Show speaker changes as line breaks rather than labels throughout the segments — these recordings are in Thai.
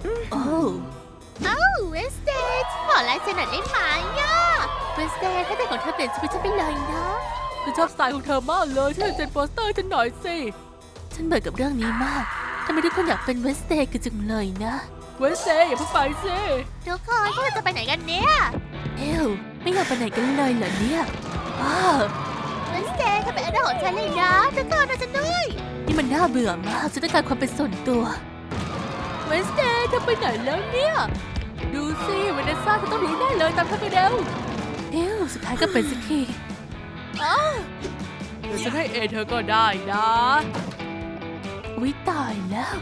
โอ้เวสเดย์ขอลายเซ็นหน่อยได้ไหมอ่ะเวสเดย์ถ้าเป็นของเธอเปลี่ยนชีวิตฉันไปเลยนะฉันชอบสไตล์ของเธอมากเลยช่วยเซ็นโปสเตอร์ฉันหน่อยสิฉันเบื่อกับเรื่องนี้มากทำไมทุกคนอยากเป็นเวสเดย์กันจังเลยนะเวสเดย์อย่าเพิ่งไปสิทุกคนพวกเราจะไปไหนกันเนี่ยไม่อยากไปไหนกันเลยเหรอเนี่ยเวสเดย์เขาเป็นไอดอลของฉันเลยนะทุกคนนะฉันด้วยนี่มันน่าเบื่อมากฉันต้องการความเป็นส่วนตัวเวสเดย์เธอไปไหนแล้วเนี่ยดูสิเวเนซ่าเธอต้องรู้แน่เลยตามเธอไปเร็วสุดท้ายก็เป็นสักทีเดี๋ยวฉันให้เธอก็ได้นะวิตายแล้ว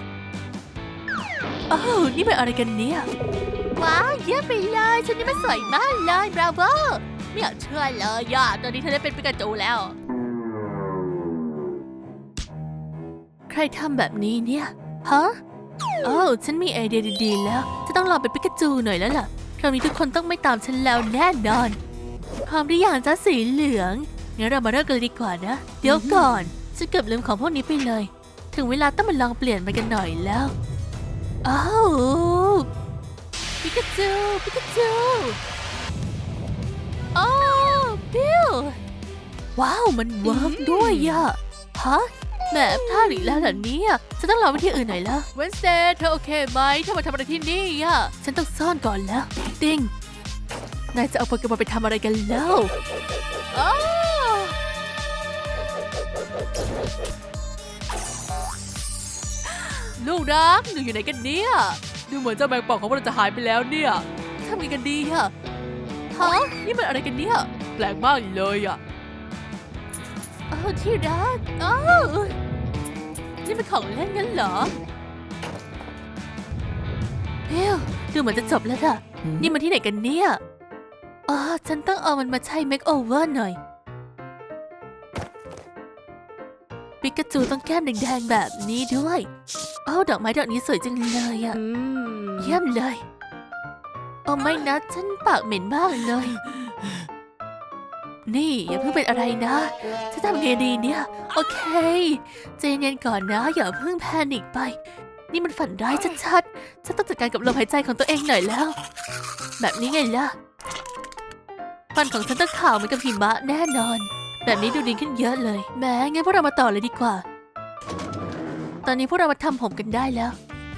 นี่เป็นอะไรกันเนี่ยว้าวเยี่ยมไปเลยชุดนี้มันสวยมากเลยบราโวไม่อยากเชื่อเลยย่าตอนนี้เธอได้เป็นปิกาจูแล้วใครทำแบบนี้เนี่ยฮะฉันมีไอเดียดีๆแล้วจะต้องลองเป็นปิกาจูหน่อยแล้วล่ะคราวนี้ทุกคนต้องไม่ตามฉันแล้วแน่นอนพร้อมหรือยังจ๊ะสีเหลืองงั้นเรามาเริ่มกันเลยดีกว่านะเดี๋ยวก่อนฉันเกือบลืมของพวกนี้ไปเลยถึงเวลาต้องมาลองเปลี่ยนมันกันหน่อยแล้วปิกาจูบิลว้าวมันเวิร์กด้วยอะฮะแหมพลาดอีกแล้วเหรอเนี่ยฉันต้องรอวิธีอื่นหน่อยแล้วเวนสเดย์เธอโอเคไหมเธอมาทำอะไรที่นี่อะฉันต้องซ่อนก่อนแล้วติงนายจะเอาโปเกมอนไปทำอะไรกันแล้วลูกรักหนูอยู่ไหนกันเนี่ยดูเหมือนเจ้าแมงป่องของเราจะหายไปแล้วเนี่ยทำไงกันดีอะฮะนี่มันอะไรกันเนี่ยแปลกมากเลยอะที่รักนี่เป็นของเล่นงั้นเหรอดูเหมือนจะจบแล้วอะนี่มันที่ไหนกันเนี่ยฉันต้องเอามันมาใช้เมคโอเวอร์หน่อยปิกาจูต้องแก้มแดงๆแบบนี้ด้วยดอกไม้ดอกนี้สวยจังเลยอะเยี่ยมเลยไม่นะฉันปากเหม็นมากเลยนี่อย่าเพิ่งเป็นอะไรนะจะทำไงดีเนี่ยโอเคใจเย็นก่อนนะอย่าเพิ่งแพนิคไปนี่มันฝันร้ายชัดๆฉันต้องจัดการกับลมหายใจของตัวเองหน่อยแล้วแบบนี้ไงล่ะฟันของฉันต้องขาวเหมือนกับหิมะแน่นอนแบบนี้ดูดีขึ้นเยอะเลยแม้งั้นพวกเรามาต่อเลยดีกว่าตอนนี้พวกเรามาทำผมกันได้แล้ว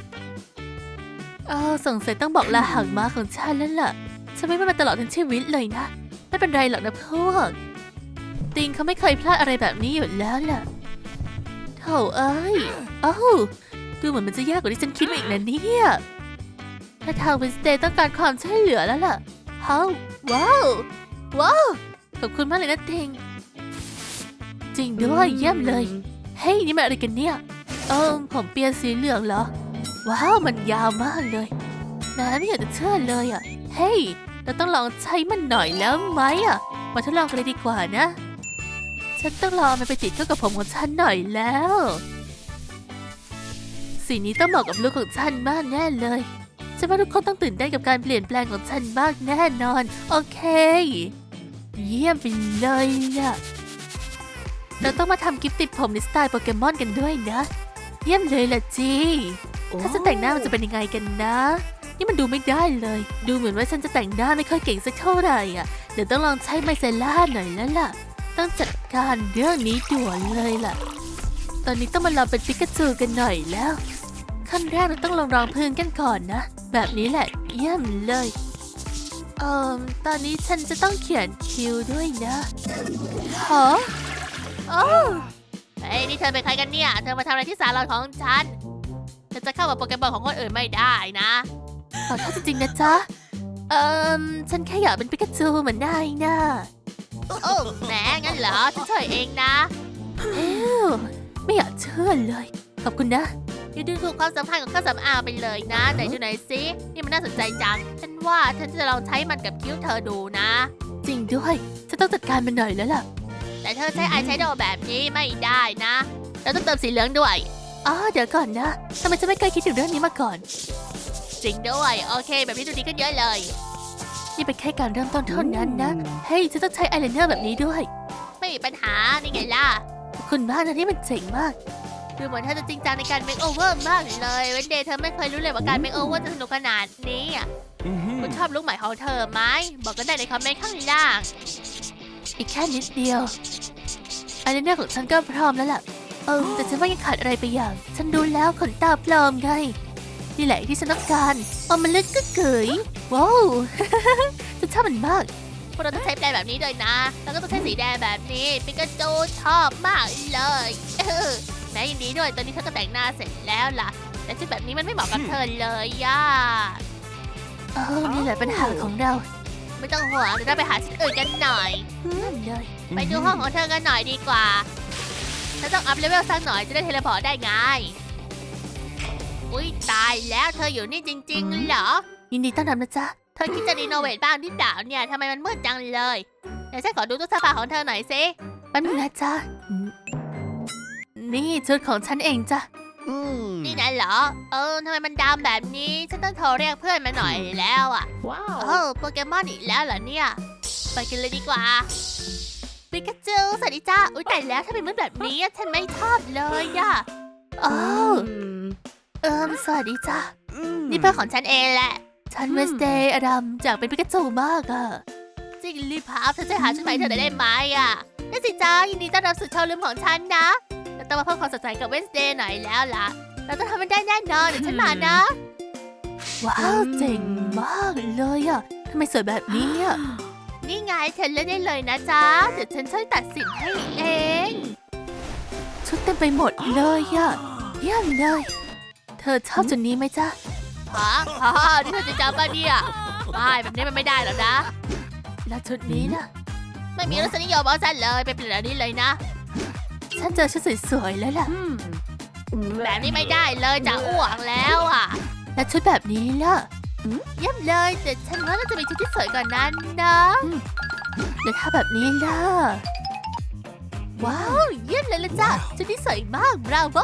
สงสัยต้องบอกลาหางม้าของฉันแล้วล่ะฉันไม่มาตลอดทั้งชีวิตเลยนะไม่เป็นไรหรอกนะพวกติงเขาไม่เคยพลาดอะไรแบบนี้อยู่แล้วล่ะโธ่เอ้ยดูเหมือนมันจะยากกว่าที่ฉันคิดอีกนะเนี่ยถ้าทางเวนสเดย์ต้องการความช่วยเหลือแล้วล่ะว้าวขอบคุณมากเลยนะติงจริงด้วยเยี่ยมเลยเฮ้ยนี่มันอะไรกันเนี่ยผมเปียสีเหลืองเหรอว้าวมันยาวมากเลยแม้ไม่อยากจะเชื่อเลยอ่ะเฮ้ยเราต้องลองใช้มันหน่อยแล้วไหมอ่ะมาทดลองกันเลยดีกว่านะฉันต้องลองมันไปติดเข้ากับผมของฉันหน่อยแล้วสีนี้ต้องเหมาะกับลุคของฉันมากแน่เลยฉันว่าทุกคนต้องตื่นเต้นกับการเปลี่ยนแปลงของฉันมากแน่นอนโอเคเยี่ยมไปเลยล่ะเราต้องมาทำกิฟต์ติดผมในสไตล์โปเกมอนกันด้วยนะเยี่ยมเลยล่ะจีถ้าจะแต่งหน้ามันจะเป็นยังไงกันนะนี่มันดูไม่ได้เลยดูเหมือนว่าฉันจะแต่งหน้าไม่ค่อยเก่งสักเท่าไหร่อ่ะเดี๋ยวต้องลองใช้ไมเซล่าหน่อยแล้วล่ะต้องจัดการเรื่องนี้ด่วนเลยล่ะตอนนี้ต้องมาลองเป็นปิกาจูกันหน่อยแล้วขั้นแรกเราต้องลองรองพื้นกันก่อนนะแบบนี้แหละเยี่ยมเลยตอนนี้ฉันจะต้องเขียนคิวด้วยนะเฮ้ยนี่เธอเป็นใครกันเนี่ยเธอมาทำอะไรที่ศาลาของฉันเธอจะเข้ากับโปเกมอนของคนอื่นไม่ได้นะขอโทษจริงๆนะจ๊ะฉันแค่อยากเป็นปิกาจูเหมือนนายนะแหมงั้นเหรอฉันช่วยเองนะไม่อยากเชื่อเลยขอบคุณนะอย่าดูถูกความสำคัญของเครื่องสำอางไปเลยนะไหนดูหน่อยสินี่มันน่าสนใจจังฉันว่าฉันจะลองใช้มันกับคิ้วเธอดูนะจริงด้วยฉันต้องจัดการมันหน่อยแล้วล่ะแต่เธอใช้อายแชโดว์แบบนี้ไม่ได้นะเราต้องเติมสีเหลืองด้วยเดี๋ยวก่อนนะทำไมฉันไม่เคยคิดถึงเรื่องนี้มาก่อนจริงด้วยโอเคแบบนี้ดูดีขึ้นเยอะเลยนี่เป็นแค่การเริ่มต้นเท่านั้นนะเฮ้ยฉันต้องใช้อายไลเนอร์แบบนี้ด้วยไม่มีปัญหานี่ไงล่ะขอบคุณมากนะที่มันเจ๋งมากดูเหมือนเธอจะจริงจังในการเมคโอเวอร์มากเลยเวนเดย์เธอไม่เคยรู้เลยว่าการเมคโอเวอร์จะสนุกขนาดนี้อ่ะคุณชอบลุคใหม่ของเธอไหมบอกกันได้ในคอมเมนต์ข้างล่างอีกแค่นิดเดียวอายไลเนอร์ของฉันก็พร้อมแล้วล่ะแต่ฉันว่ายังขาดอะไรไปอย่างฉันดูแล้วขนตาปลอมไงนี่แหละที่ฉันต้องการมันลึกก็เกยว้าว ฉันชอบมันมากพวกเราต้องใช้แปรงแบบนี้ด้วยนะแล้วก็ต้องใช้สีแดงแบบนี้ปิกาจูชอบมากเลยแม้ยินดีด้วยตอนนี้เธอก็แต่งหน้าเสร็จแล้วล่ะแต่ชุดแบบนี้มันไม่เหมาะกับเธอเลยย่านี่แหละปัญหาของเราไม่ต้องห่วงเดี๋ยวเราไปหาชุดอื่นกันหน่อยเลยไปดูห้องของเธอกันหน่อยดีกว่าฉันต้องอัพเลเวลสักหน่อยจะได้เทเลพอร์ตได้ไงอุ๊ยตายแล้วเธออยู่นี่จริงๆเหรอยินดีต้อนรับนะจ๊ะเธอคิดจะรีโนเวทบ้างที่เปล่าเนี่ยทำไมมันมืดจังเลยเดี๋ยวฉันขอดูตู้เสื้อผ้าของเธอหน่อยสิแป๊บนึงนะจ๊ะนี่ชุดของฉันเองจ้ะนี่นั่นเหรอทำไมมันดำแบบนี้ฉันต้องโทรเรียกเพื่อนมาหน่อยแล้วอ่ะว้าวโปเกมอนอีกแล้วเหรอเนี่ยไปกันเลยดีกว่าปิกาจูสวัสดีจ้าอุ๊ยแต่แล้วถ้าเป็นมืดแบบนี้ฉันไม่ชอบเลยอ่ะสวัสดีจ้านี่เพื่อนของฉันเองแหละฉันเวสเดย์อดัมจากเป็นปิกาจูมากอ่ะจริงรีบพาเธอจะหาชุดใหม่เธอได้ไหมอ่ะได้สิจ้ายินดีต้อนรับสู่โชว์รูมของฉันนะเราต้องมาเพิ่มความสดใสกับเวสเดย์หน่อยแล้วล่ะเราต้องทำมันได้แน่นอนเดี๋ยวฉันมานะว้าวเจ๋งมากเลยอ่ะทำไมสวยแบบนี้อ่ะนี่ไงเธอเลือกได้เลยนะจ๊ะเดี๋ยวฉันช่วยตัดสินให้เองชุดเต็มไปหมดเลยอ่ะเยี่ยมเลยเธอชอบจุดนี้ไหมจ๊ะนี่เธอจะจำป่ะเนี่ยไม่แบบนี้มันไม่ได้หรอกนะแล้วชุดนี้นะไม่มีรสนิยมเอาฉันเลยไปเปลี่ยนอันนี้เลยนะฉันเจอชุดสวยๆแล้วล่ะแบบนี้ไม่ได้เลยจะอ้วกแล้วอ่ะแล้วชุดแบบนี้ล่ะเยี่ยมเลยแต่ฉันว่าเราจะมีชุดที่สวยกว่านั้นนะแล้วถ้าแบบนี้ล่ะว้าวเยี่ยมเลยละจ้ะชุดที่สวยมากบราโว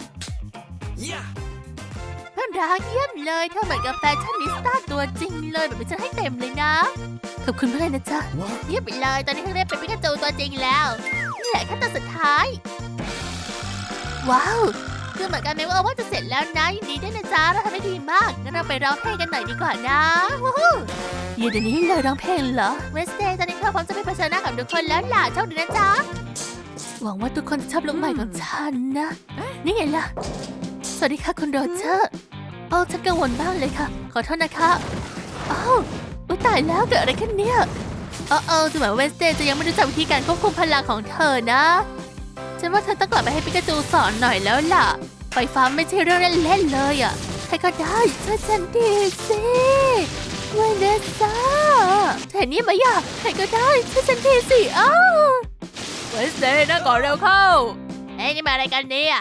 เพื่อนรักเยี่ยมเลยเธอเหมือนกับแฟชั่นนิสต้าตัวจริงเลยแบบนี้ฉันให้เต็มเลยนะขอบคุณมากเลยนะจ๊ะเยี่ยมไปเลยตอนนี้เธอได้เป็นปิกาจูตัวจริงแล้วนี่แหละขั้นตอนสุดท้ายว้าวคือเหมือนกันไหมว่าจะเสร็จแล้วนะยินดีด้วยนะจ๊ะเราทำได้ดีมากงั้นเราไปร้องเพลงกันหน่อยดีกว่านะอยู่เดี๋ยวนี้เลยร้องเพลงเหรอเวสเดย์ตอนนี้เธอพร้อมจะไปเผชิญหน้ากับทุกคนแล้วล่ะโชคดีนะจ๊ะหวังว่าทุกคนจะชอบลุคใหม่ของฉันนะนี่ไงล่ะสวัสดีค่ะคุณโรเจอร์ฉันกังวลบ้างเลยค่ะขอโทษนะคะตายแล้วเกิดอะไรขึ้นเนี่ยดูเหมือนเวสเดย์จะยังไม่รู้จักวิธีการควบคุมพลังของเธอนะฉันว่าเธอต้องกลับไปให้ปิกาจูสอนหน่อยแล้วล่ะไฟฟ้าไม่ใช่เรื่องเล่นๆเลยอ่ะใครก็ได้ช่วยฉันทีสิเวเนซ่าเห็นนี่ไหมอ่ะใครก็ได้ช่วยฉันทีสิเวสเดย์นะก่อนเร็วเข้านี่มาอะไรกันเนี่ย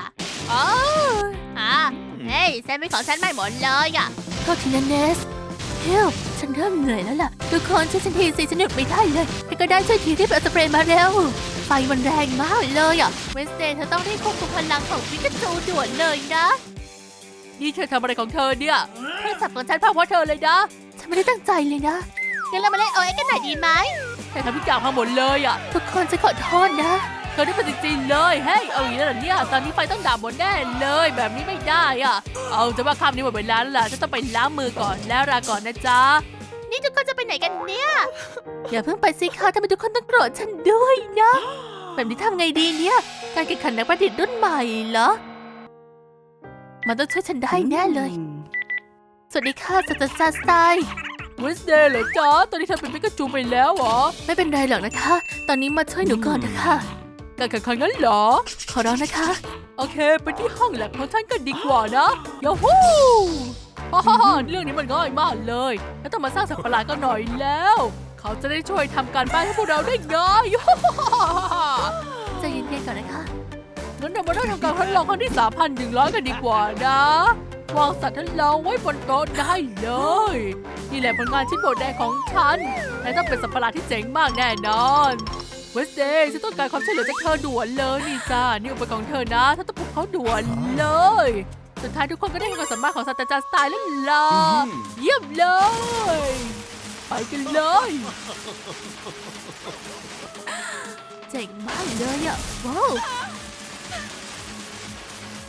แซนด์วิชของฉันไม่หมดเลยอ่ะโทษทีนะเนสเฮลฉันเริ่มเหนื่อยแล้วล่ะทุกคนช่วยฉันทีสิฉันหยุดไม่ได้เลยใครก็ได้ช่วยทีรีบเอาสเปรย์มาเร็วไฟมันแรงมากเลยอ่ะเวสเดย์เธอต้องรีบควบคุมพลังของปิกาจูด่วนเลยนะนี่เธอทำอะไรของเธอเนี่ยโทรศัพท์ของฉันพังเพราะเธอเลยนะฉันไม่ได้ตั้งใจเลยนะงั้นเรามาเล่นOXกันหน่อยดีไหมเธอทำทุกอย่างพังหมดเลยอ่ะทุกคนจะขอโทษนะเธอได้เป็นจริงๆเลยเฮ้ยเอาอย่างนี้แล้วเนี่ยตอนนี้ไฟต้องดับหมดแน่เลยแบบนี้ไม่ได้อ่ะจะว่าคำนี้หมดเวลาแล้วล่ะฉันต้องไปล้างมือก่อนแล้วลาก่อนนะจ๊ะนี่ทุกคนจะไปไหนกันเนี่ยอย่าเพิ่งไปสิคะทำไมทุกคนต้องโกรธฉันด้วยนะแบบนี้ทำไงดีเนี่ยการแข่งขันนักประดิษฐ์รุ่นใหม่เหรอมันต้องช่วยฉันได้แน่เลยสวัสดีค่ะศาสตราจารย์สไตล์เวสเดย์เหรอจ๊ะตอนนี้เธอเป็นปิกาจูไปแล้วเหรอไม่เป็นไรหรอกนะคะตอนนี้มาช่วยหนูก่อนนะคะการแข่งขันงั้นเหรอขอร้องนะคะโอเคไปที่ห้องแลบของฉันกันดีกว่านะยาฮูเรื่องนี้มันง่ายมากเลยแล้วต้องมาสร้างสัตว์ประหลาดกันหน่อยแล้วเขาจะได้ช่วยทำการบ้านให้พวกเราได้ง่ายใจเย็นๆก่อนนะคะงั้นเรามาเริ่มทำการทดลองครั้งที่ 3,100 กันดีกว่านะวางสัตว์ทดลองไว้บนโต๊ะได้เลยนี่แหละผลงานชิ้นโบดแดงของฉันและต้องเป็นสัตว์ประหลาดที่เจ๋งมากแน่นอนเวสเดย์ฉันต้องการความช่วยเหลือจากเธอด่วนเลยนี่จ้านี่อุปกรณ์ของเธอนะเธอต้องปลุกเขาด่วนเลยสุดท้ายทุกคนก็ได้เห็นความสามารถของศาสตราจารย์สไตล์แล้วล่ะเยี่ยมเลยไปกันเลยเจ๋งมากเลยอ่ะว้าว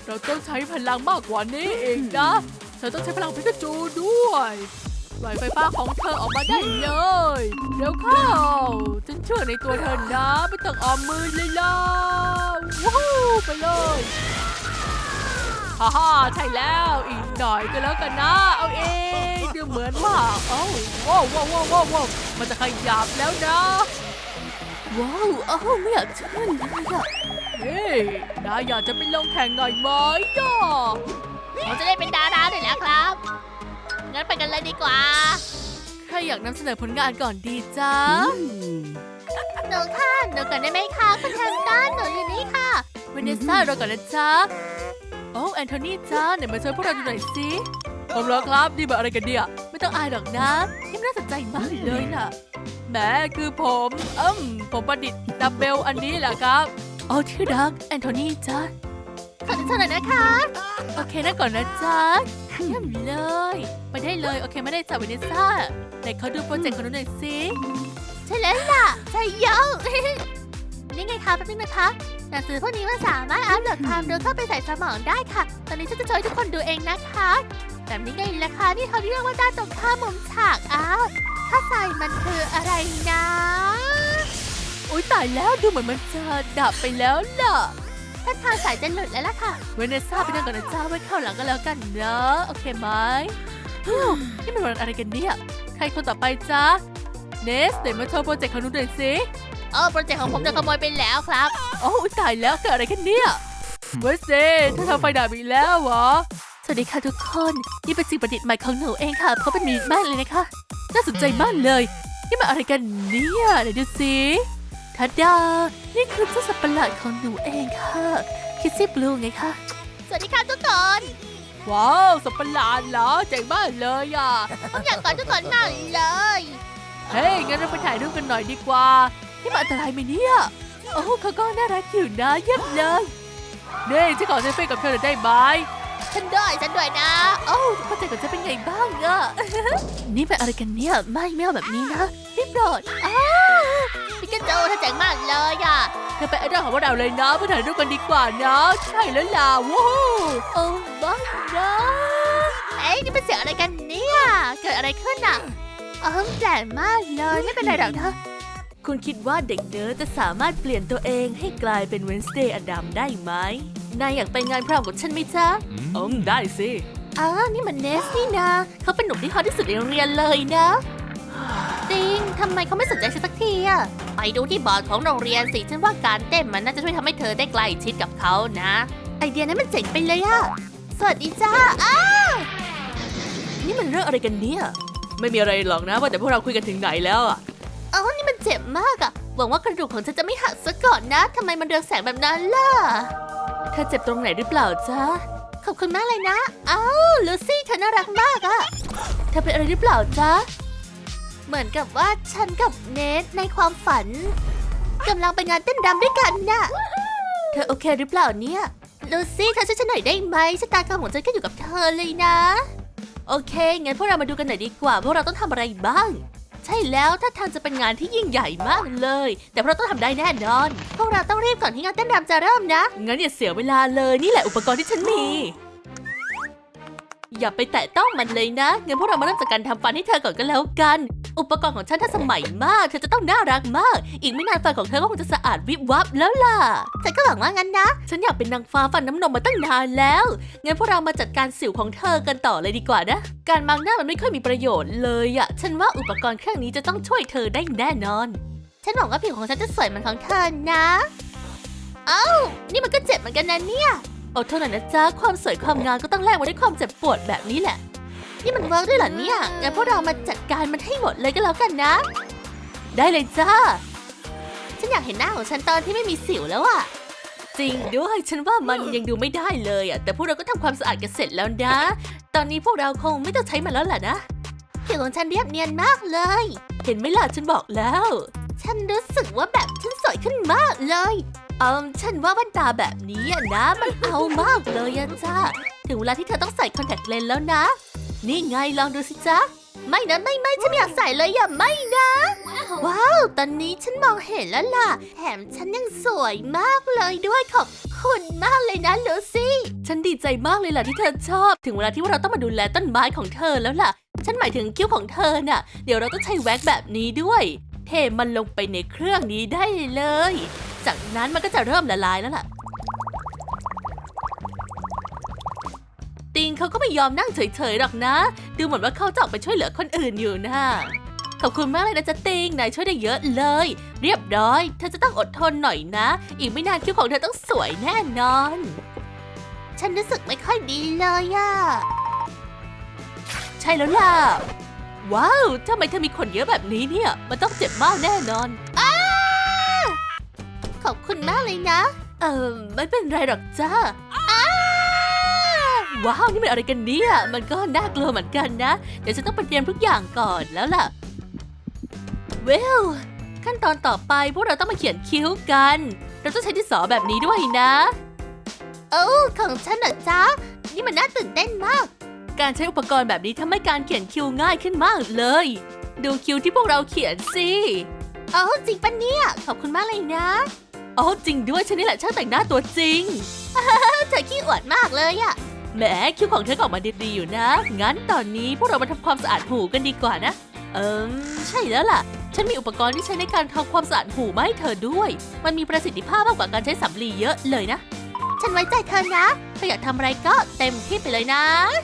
เราต้องใช้พลังมากกว่านี้เองนะเธอต้องใช้พลังพิกาจูด้วยปล่อยไฟฟ้าของเธอออกมาได้เลยเดี๋ยวเข้าฉันเชื่อในตัวเธอนะไม่ต้องออมมือเลยล่ะว้าวไปเลยฮ่าฮ่าใช่แล้วอีกหน่อยก็แล้วกันนะเอาเองดูเหมือนว่าโอ้ว้าวว้าวว้าวว้าวมันจะขยับแล้วนะว้าวไม่อยากเชื่อเลยอะเฮ้ยนายอยากจะไปลงแข่งหน่อยไหมย่ะผมจะได้เป็นดาราหน่อยแล้วครับงั้นไปกันเลยดีกว่าใครอยากนำเสนอผลงานก่อนดีจ้าหนูค่ะหนูก่อนได้ไหมคะคุณแฮมตันหนูอยู่นี่ค่ะเวเนซ่าเราก่อนนะจ๊ะโอ้แอนโทนีจ้าไหนมาช่วยพวกเราดูหน่อยสิผมแล้วครับนี่แบบอะไรกันเนี่ยไม่ต้องอายหรอกนะที่น่าสนใจมากเลยน่ะแหมคือผมประดิษฐ์ดับเบลอันนี้แหละครับโอ้ที่รักแอนโทนีจ้าขอหน่อยนะคะโอเคนะก่อนนะจ๊ะเยี่ยมเลยไปได้เลยโอเคไม่ได้จ้ะเวเนซ่าไหนเขาดูโปรเจกต์ของหนูหน่อยสิใช่แล้วล่ะใช่เยอะ นี่ไงคะแป๊บนึงนะคะหนังสือพวกนี้มันสามารถอัพโหลดความรู้เข้าไปใส่สมองได้ค่ะตอนนี้ฉันจะโชว์ให้ทุกคนดูเองนะคะแบบนี้ไงล่ะคะนี่เขาเรียกว่าด้านตรงข้ามมุมฉากอ้าวถ้าใส่มันคืออะไรนะอุ๊ยตายแล้วดูเหมือนมันจะดับไปแล้วล่ะถ้าทางสายจะหลุดแล้วล่ะค่ะเวเนซ่าไปนั่งก่อนนะจ้าไว้เข้าหลังก็แล้วกันเนอะโอเคไหมนี่มันวันอะไรกันเนี่ยใครคนต่อไปจ้าเนสเดี๋ยวมาโชว์โปรเจกต์ของหนูหน่อยสิโปรเจกต์ของผมโดนขโมยไปแล้วครับโอ้ตายแล้วเกิดอะไรกันเนี่ยเวสเซ่ถ้าทำไฟดับอีกแล้วเหรอสวัสดีค่ะทุกคนนี่เป็นสิ่งประดิษฐ์ใหม่ของหนูเองค่ะเพราะเป็นมีมากเลยนะคะน่าสนใจมากเลยนี่มันอะไรกันเนี่ยไหนดูสิทัดดานี่คือเจ้าสัตว์ประหลาดของหนูเองค่ะคิสซี่บลูไงคะสวัสดีค่ะทุกคนว้าวสัตว์ประหลาดเหรอเจ๋งมากเลยอ่ะผมอยากกอดทุกคนมากเลยเฮ้ยงั้นเราไปถ่ายรูปกันหน่อยดีกว่านี่มันอันตรายไหมเนี่ยโอ้เขาก็น่ารักอยู่นะเยี่ยมเลยนี่ฉันขอเซลฟี่กับเธอหน่อยได้ไหมฉันด้วยนะโอ้เข้าใจกับฉันเป็นไงบ้างอะ นี่เป็นอะไรกันเนี่ยไม่เอาแบบนี้นะรีบโดดพี่กระโจเธอเจ๋งมากเลยอะเธอเป็นไอดอลของพวกเราเลยนะไปถ่ายรูปกันดีกว่านะใช่แล้วล่ะว้าวโอ้บ้านะเอ้ยนี่เป็นเสียงอะไรกันเนี่ยเกิดอะไรขึ้นอะแปลกมากเลยไม่เป็นไรหรอกนะคุณคิดว่าเด็กเนิร์ดจะสามารถเปลี่ยนตัวเองให้กลายเป็นเวนสเดย์อดัมได้ไหมนายอยากไปงานพร้อมกับฉันไหมจ๊ะได้สินี่มันเนสนี่นะเขาเป็นหนุ่มที่ฮอตที่สุดในโรงเรียนเลยนะติงทำไมเขาไม่สนใจฉันสักทีอะไปดูที่บอร์ดของโรงเรียนสิฉันว่าการเต้นมันน่าจะช่วยทำให้เธอได้ใกล้ชิดกับเขานะไอเดียนั้นมันเจ๋งไปเลยอะสวัสดีจ้านี่มันเรื่องอะไรกันเนี่ยไม่มีอะไรหรอกนะว่าแต่พวกเราคุยกันถึงไหนแล้วอะนี่มันเจ็บมากอะหวังว่ากระดูกของฉันจะไม่หักซะก่อนนะทำไมมันเรืองแสงแบบนั้นล่ะเธอเจ็บตรงไหนหรือเปล่าจ๊ะขอบคุณมากเลยนะลูซี่เธอน่ารักมากอะเธอเป็นอะไรหรือเปล่าจ๊ะเหมือนกับว่าฉันกับเนทในความฝันกำลังไปงานเต้นรำด้วยกันน่ะเธอโอเคหรือเปล่าเนี่ยลูซี่เธอช่วยฉันหน่อยได้ไหมชะตากรรมของฉันก็อยู่กับเธอเลยนะโอเคงั้นพวกเรามาดูกันหน่อยดีกว่าพวกเราต้องทำอะไรบ้างใช่แล้วถ้าทางจะเป็นงานที่ยิ่งใหญ่มากเลยแต่พวกเราต้องทำได้แน่นอนพวกเราต้องรีบก่อนที่งานเต้นรำจะเริ่มนะงั้นอย่าเสียเวลาเลยนี่แหละอุปกรณ์ที่ฉันมีอย่าไปแตะต้องมันเลยนะงั้นพวกเรามาเริ่มจากการทำฟันให้เธอก่อนก็แล้วกันอุปกรณ์ของฉันทันสมัยมากเธอจะต้องน่ารักมากอีกไม่นานฟันของเธอก็คงจะสะอาดวิบวับแล้วล่ะฉันก็หวังว่างั้นนะฉันอยากเป็นนางฟ้าฟันน้ำนมมาตั้งนานแล้วงั้นพวกเรามาจัดการสิวของเธอกันต่อเลยดีกว่านะการบังหน้ามันไม่ค่อยมีประโยชน์เลยอะฉันว่าอุปกรณ์เครื่องนี้จะต้องช่วยเธอได้แน่นอนฉันหวังว่าผิวของฉันจะสวยเหมือนของเธอนะนี่มันก็เจ็บเหมือนกันนะเนี่ยอดทนหน่อยนะจ๊ะความสวยความงามก็ต้องแลกมาด้วยความเจ็บปวดแบบนี้แหละนี่มันเวิร์กด้วยเหรอเนี่ยงั้นพวกเรามาจัดการมันให้หมดเลยก็แล้วกันนะได้เลยจ้าฉันอยากเห็นหน้าของฉันตอนที่ไม่มีสิวแล้วอะจริงด้วยฉันว่ามันยังดูไม่ได้เลยอะแต่พวกเราก็ทำความสะอาดกันเสร็จแล้วนะตอนนี้พวกเราคงไม่ต้องใช้มันแล้วแหละนะผิวของฉันเรียบเนียนมากเลยเห็นไหมล่ะฉันบอกแล้วฉันรู้สึกว่าแบบฉันสวยขึ้นมากเลยฉันว่าแว่นตาแบบนี้นะมันเอามากเลยอะจ้าถึงเวลาที่เธอต้องใส่คอนแทคเลนส์แล้วนะนี่ไงลองดูสิจ๊ะไม่นะไม่ฉันไม่อยากใส่เลยอย่าไม่นะว้าวตอนนี้ฉันมองเห็นแล้วล่ะแถมฉันยังสวยมากเลยด้วยขอบคุคุณมากเลยนะลูซี่ ฉันดีใจมากเลยล่ะที่เธอชอบ ถึงเวลาที่เราต้องมาดูแลต้นไม้ของเธอแล้วล่ะ ฉันหมายถึงคิ้วของเธอน่ะ เดี๋ยวเราต้องใช้แว็กแบบนี้ด้วย เทมันลงไปในเครื่องนี้ได้เลย จากนั้นมันก็จะเริ่มละลายแล้วล่ะ ติงเขาก็ไม่ยอมนั่งเฉยๆหรอกนะ ดูเหมือนว่าเขาจะออกไปช่วยเหลือคนอื่นอยู่นะขอบคุณมากเลยนะจ๊ะติง นายช่วยได้เยอะเลย เรียบร้อย เธอจะต้องอดทนหน่อยนะ อีกไม่นานคิ้วของเธอต้องสวยแน่นอน ฉันรู้สึกไม่ค่อยดีเลยอะใช่แล้วล่ะ ว้าวทำไมเธอมีขนเยอะแบบนี้เนี่ย มันต้องเจ็บมากแน่นอนขอบคุณมากเลยนะ ไม่เป็นไรหรอกจ้าว้าว นี่มันอะไรกันเนี่ย มันก็น่ากลัวเหมือนกันนะ เดี๋ยวฉันต้องไปเตรียมทุกอย่างก่อนแล้วล่ะขั้นตอนต่อไปพวกเราต้องมาเขียนคิ้วกัน เราต้องใช้ดินสอแบบนี้ด้วยนะของฉันเหรอจ๊ะ นี่มันน่าตื่นเต้นมาก การใช้อุปกรณ์แบบนี้ทำให้การเขียนคิ้วง่ายขึ้นมากเลย ดูคิ้วที่พวกเราเขียนสิจริงปะเนี่ย ขอบคุณมากเลยนะจริงด้วยฉันนี่แหละช่างแต่งหน้าตัวจริง เธอขี้อวดมากเลยอะแหมคิ้วของเธอออกมาดีๆอยู่นะ งั้นตอนนี้พวกเรามาทำความสะอาดหูกันดีกว่านะใช่แล้วล่ะ ฉันมีอุปกรณ์ที่ใช้ในการทำความสะอาดหูมาให้เธอด้วย มันมีประสิทธิภาพมากกว่าการใช้สำลีเยอะเลยนะ ฉันไว้ใจเธอนะ เธออยากทำอะไรก็เต็มที่ไปเลยนะ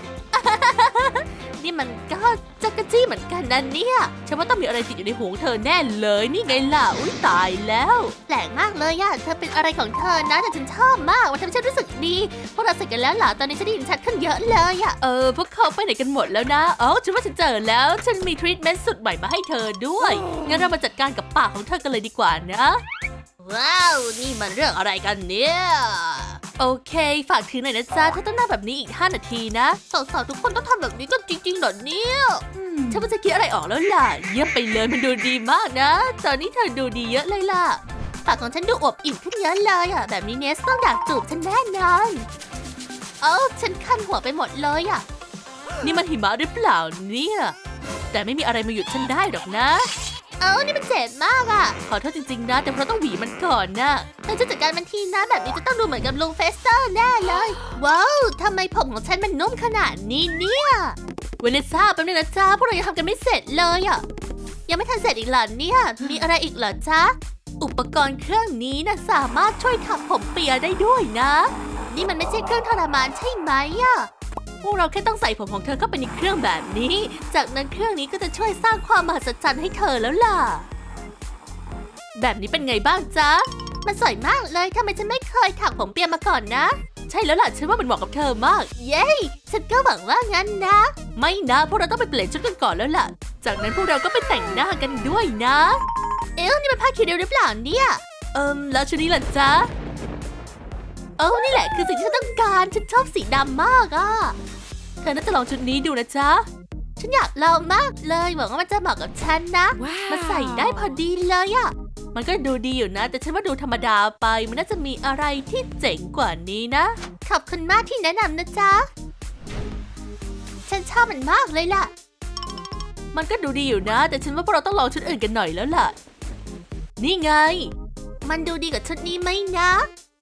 นี่มันก็จักรจี้เหมือนกันนะเนี่ย ฉันว่าต้องมีอะไรติดอยู่ในหูเธอแน่เลย นี่ไงล่ะ อุ๊ยตายแล้วแปลกมากเลยอะเธอเป็นอะไรของเธอนะแต่ฉันชอบมากมันทำให้ฉันรู้สึกดี พวกเราเสร็จกันแล้วล่ะ ตอนนี้ฉันได้ยินชัดขึ้นเยอะเลยอะพวกเขาไปไหนกันหมดแล้วนะฉันว่าฉันเจอแล้ว ฉันมีทรีทเมนต์สุดใหม่มาให้เธอด้วย งั้นเรามาจัดการกับปากของเธอกันเลยดีกว่านะ ว้าว นี่มันเรื่องอะไรกันเนี่ย โอเค ฝากถือหน่อยนะจ๊ะ ถ้าต้องนั่งแบบนี้อีก5 นาทีนะสาวๆทุกคนต้องทำแบบนี้กันจริงๆเหรอเนี่ยฉันว่าจะคิดอะไรออกแล้วล่ะ เยี่ยมไปเลยมันดูดีมากนะ ตอนนี้เธอดูดีเยอะเลยล่ะ ปากของฉันดูอวบอิ่มขึ้นเยอะเลยอ่ะ แบบนี้เนสต้องอยากจูบฉันแน่นอนฉันคันหัวไปหมดเลยอ่ะ นี่มันหิมะหรือเปล่าเนี่ย แต่ไม่มีอะไรมาหยุดฉันได้หรอกนะนี่มันเจ็บมากอ่ะ ขอโทษจริงๆนะ แต่เพราะต้องหวีมันก่อนนะเราจะจัดการมันทีนะแบบนี้จะต้องดูเหมือนกับลุงเฟสเตอร์แน่เลย ว้าวทำไมผมของฉันมันนุ่มขนาดนี้เนี่ยเวเนซ่าแป๊บนึงนะจ๊ะพวกเรายังทำกันไม่เสร็จเลยอ่ะ ยังไม่ทันเสร็จอีกเหรอเนี่ย มีอะไรอีกเหรอจ๊ะ อุปกรณ์เครื่องนี้นะสามารถช่วยทำผมเปียได้ด้วยนะ นี่มันไม่ใช่เครื่องทรมานใช่ไหมอ่ะ พวกเราแค่ต้องใส่ผมของเธอเข้าไปในเครื่องแบบนี้ จากนั้นเครื่องนี้ก็จะช่วยสร้างความมหัศจรรย์ให้เธอแล้วล่ะ แบบนี้เป็นไงบ้างจ๊ะ มันสวยมากเลยทำไมฉันไม่เคยถักผมเปียมาก่อนนะ ใช่แล้วล่ะฉันว่ามันเหมาะกับเธอมาก เย้ฉันก็หวังว่างั้นนะ ไม่นะพวกเราต้องไปเปลี่ยนชุดกันก่อนแล้วล่ะ จากนั้นพวกเราก็ไปแต่งหน้ากันด้วยนะนี่มันผ้าคีริ้วหรือเปล่าเนี่ยแล้วชุดนี้ล่ะจ๊ะนี่แหละคือสิ่งที่ฉันต้องการ ฉันชอบสีดำมากอ่ะ เธอน่าจะลองชุดนี้ดูนะจ๊ะ ฉันอยากลองมากเลยหวังว่ามันจะเหมาะกับฉันนะ มันใส่ได้พอดีเลยอ่ะ มันก็ดูดีอยู่นะ แต่ฉันว่าดูธรรมดาไป มันน่าจะมีอะไรที่เจ๋งกว่านี้นะ ขอบคุณมากที่แนะนำนะจ๊ะ ฉันชอบมันมากเลยล่ะ มันก็ดูดีอยู่นะ แต่ฉันว่าพวกเราต้องลองชุดอื่นกันหน่อยแล้วล่ะ นี่ไง มันดูดีกว่าชุดนี้ไหมนะ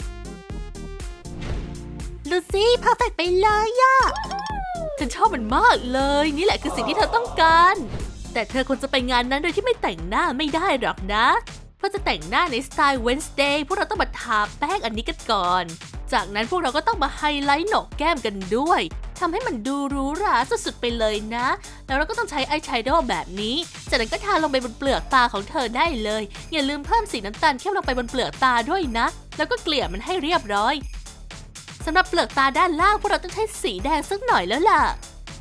ลูซี่เพอร์เฟกต์ไปเลยอะฉันชอบมันมากเลยนี่แหละคือสิ่งที่เธอต้องการแต่เธอควรจะไปงานนั้นโดยที่ไม่แต่งหน้าไม่ได้หรอกนะเพราะจะแต่งหน้าในสไตล์ Wednesday พวกเราต้องมาทาแป้งอันนี้กันก่อนจากนั้นพวกเราก็ต้องมาไฮไลท์โหนกแก้มกันด้วยทำให้มันดูหรูหราสุดๆไปเลยนะแล้วเราก็ต้องใช้อายแชโดว์แบบนี้จากนั้นก็ทาลงไปบนเปลือกตาของเธอได้เลยอย่าลืมเพิ่มสีน้ำตาลเข้มลงไปบนเปลือกตาด้วยนะแล้วก็เกลี่ยมันให้เรียบร้อยสำหรับเปลือกตาด้านล่างพวกเราต้องใช้สีแดงสักหน่อยแล้วล่ะ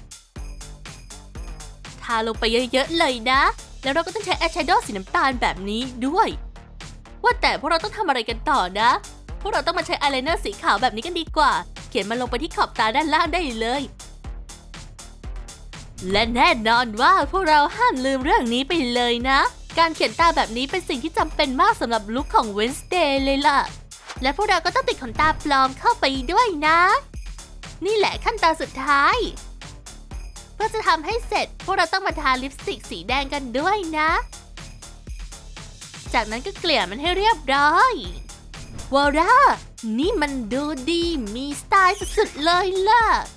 ทาลงไปเยอะๆเลยนะแล้วเราก็ต้องใช้อายแชโดว์สีน้ำตาลแบบนี้ด้วยว่าแต่พวกเราต้องทำอะไรกันต่อนะพวกเราต้องมาใช้อายไลเนอร์สีขาวแบบนี้กันดีกว่าเขียนมันลงไปที่ขอบตาด้านล่างได้เลยและแน่นอนว่าพวกเราห้ามลืมเรื่องนี้ไปเลยนะการเขียนตาแบบนี้เป็นสิ่งที่จำเป็นมากสำหรับลุคของ Wednesday เลยล่ะและพวกเราก็ต้องติดขนตาปลอมเข้าไปด้วยนะนี่แหละขั้นตอนสุดท้ายเพื่อจะทำให้เสร็จพวกเราต้องมาทาลิปสติกสีแดงกันด้วยนะจากนั้นก็เกลี่ยมันให้เรียบร้อยวอร่านี่มันดูดีมีสไตล์สุดๆเลยล่ะ